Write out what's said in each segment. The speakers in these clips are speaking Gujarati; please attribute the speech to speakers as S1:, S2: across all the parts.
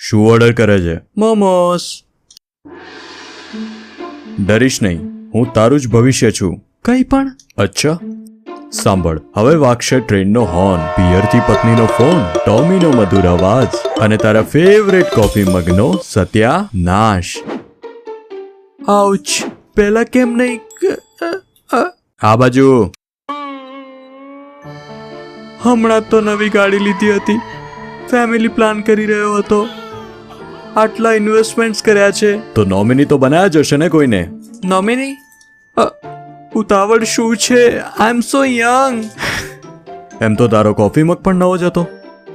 S1: શું ઓર્ડર કરે છે? મોમોસ. ડરીશ નહીં, હું તારું જ ભવિષ્ય છું. કંઈ પણ? અચ્છા, સાંભળ. હવે વાગશે ટ્રેનનો હોર્ન, પિયરથી પત્નીનો ફોન, ટોમીનો મધુર અવાજ અને તારા ફેવરેટ કોફી મગનો સત્યાનાશ. આઉચ. પહેલા કેમ નહીં? આ બાજુ. હમણાં તો નવી ગાડી લીધી હતી, ફેમિલી પ્લાન કરી રહ્યો હતો, આટલા ઇન્વેસ્ટમેન્ટ્સ કર્યા છે, તો નોમિની તો બનાયા જ હશે ને કોઈને? નોમિની? ઉતાવળ શું છે? આઈ એમ સો યંગ. એમ તો તારો કોફી મગ પણ નવો જ હતો.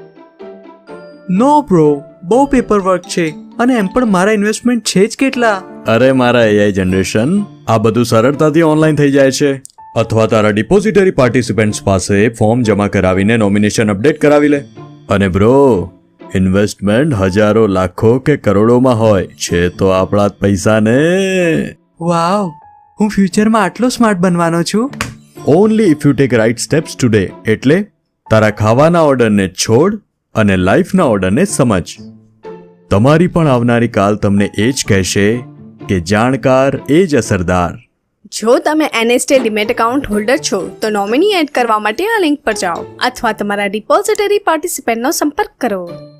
S1: નો બ્રો, બહુ પેપર વર્ક છે અને એમ પણ મારા ઇન્વેસ્ટમેન્ટ છે જ કેટલા. અરે મારા એઆઈ જનરેશન, આ બધું સરળતાથી ઓનલાઈન થઈ જાય છે. અથવા તારા ડિપોઝિટરી પાર્ટિસિપન્ટ્સ પાસે ફોર્મ જમા કરાવીને નોમિનેશન અપડેટ કરાવી લે. અને બ્રો, ઇન્વેસ્ટમેન્ટ હજારો લાખો કે કરોડોમાં હોય છે તો આપણા જ પૈસા ને. વાવ, હું ફ્યુચરમાં આટલો સ્માર્ટ બનવાનો છું. Only if you take right steps today. એટલે તારા ખાવાના ઓર્ડરને છોડ અને લાઈફના ઓર્ડરને સમજ. તમારી પણ આવનારી કાલ તમને એ જ કહેશે કે જાણકાર એ જ અસરદાર.
S2: જો તમે NST ડીમેટ એકાઉન્ટ હોલ્ડર છો તો નોમિની એડ કરવા માટે આ લિંક પર જાઓ અથવા તમારા ડિપોઝિટરી પાર્ટિસિપન્ટનો સંપર્ક કરો.